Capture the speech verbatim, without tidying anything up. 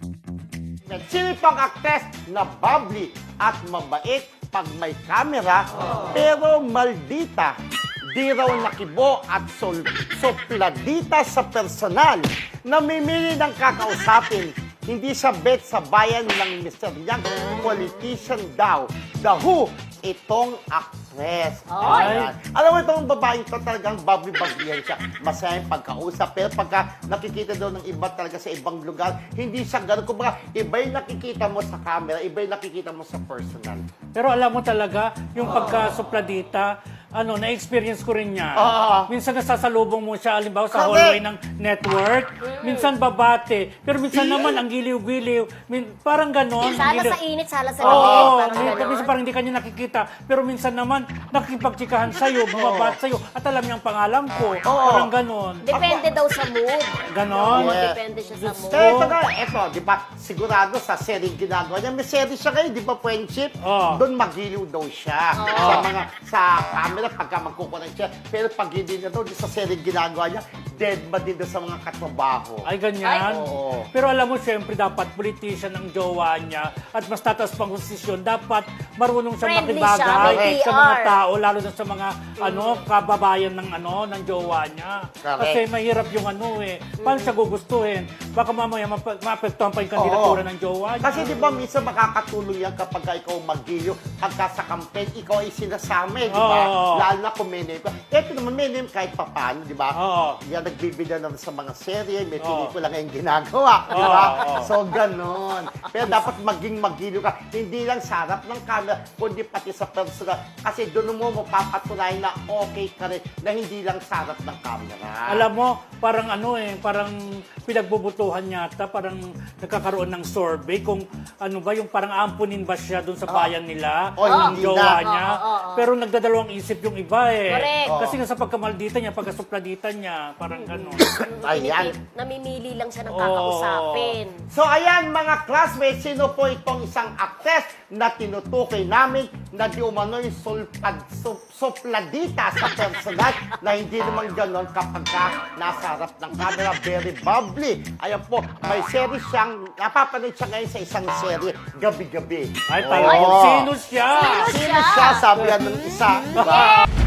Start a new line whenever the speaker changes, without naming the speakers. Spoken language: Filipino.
Sino itong actress na bubbly at mabait pag may camera, pero maldita, di raw nakibo at sol sopladita sa personal, namimili ng kakausapin, hindi sa bet sa bayan ng mister Yang, politician daw. The Who, itong actress. Ayan. Alam mo itong babaeng to talagang bubbly-bubbly siya. Masaya yung pagkausap. Pero pagka nakikita daw ng iba talaga sa ibang lugar, hindi siya gano'n. Kumbaga, iba yung nakikita mo sa camera, iba yung nakikita mo sa personal.
Pero alam mo talaga, yung pagka-supladita, ano, na-experience ko rin yan.
Oo.
Minsan nasasalubong mo siya, alimbawa sa
Correct.
hallway ng network. Minsan babate. Pero minsan naman, ang giliw-giliw. Min, parang ganon.
Sala
Giliw-
sa init, sala sa
Oo,
lamig. Parang
minsan,
ganon.
minsan parang hindi kanya nakikita. Pero minsan naman, nakikipagtsikahan sa'yo, bumabat sa'yo, at alam niya ang pangalan ko. Parang ganon.
Depende daw sa mood.
Ganon.
Oo,
Yeah.
depende siya sa mood.
Kaya ito nga, eto, di ba, sigurado sa serie ginagawa niya, may serie siya kayo, di ba, friendship?
Oo.
Doon magiliw daw siya. Sa mga, sa camera, pagka magkukunan siya. Pero pag hindi na daw, di sa serie ginagawa niya, dead ba din daw sa mga katrabaho?
Ay, ganyan.
Ay, oo.
Pero alam mo, syempre, dapat politician ang jowa niya at mas tatas pang posisyon. Dapat marunong siya
Friendly
makibagay
siya, may
sa
P R.
mga tao, lalo na sa mga ano kababayan ng ano ng jowa niya.
Correct.
Kasi mahirap yung ano eh. Paano siya gugustuhin? Baka mamaya mapa- maapektuhan pa yung kandidatura
Oo.
ng jowa niya.
Kasi di ba minsan makakatulong yan kapag ka ikaw mag-giliw, pagka sa campaign, ikaw ay sinasama eh, di ba?
Oo.
Lalo na kung may name ka. Ito naman may name kahit papano, di ba?
Oo.
Yan nagbibida naman sa mga serye, may
Oo.
pelikula ngayong ginagawa, di ba?
Oo.
So, ganon. Pero dapat maging magiliw ka. Hindi lang sa harap ng camera, kundi pati sa personal. Kasi doon mo mapapatunayan na okay ka rin, na hindi lang sa harap ng camera.
Alam mo, parang ano eh, parang pinagbubutuhan yata, parang nagkakaroon ng survey kung ano ba, yung parang ampunin ba siya doon sa bayan nila,
Oh,
ng
hindi
jowa
na.
niya.
Oo, oo, oo.
Pero nagdadalawang isip yung iba eh.
Correct.
Kasi nga sa pagkamaldita niya, pagkasupladita niya, parang gano'n.
Ayan.
Namimili lang siya ng
Oo.
kakausapin.
So ayan mga classmates, sino po itong isang actress na tinutukoy namin na di umano'y sulpad, sup, supladita sa personal na hindi naman ganon kapag ka nasa harap ng camera, very bubbly. Ayan po, may series siyang, napapanood siya ngayon sa isang serye, gabi-gabi.
Ay, talaga.
Oo.
Sino siya?
Sino
Sino siya? Sabi yan ng isa. Diba?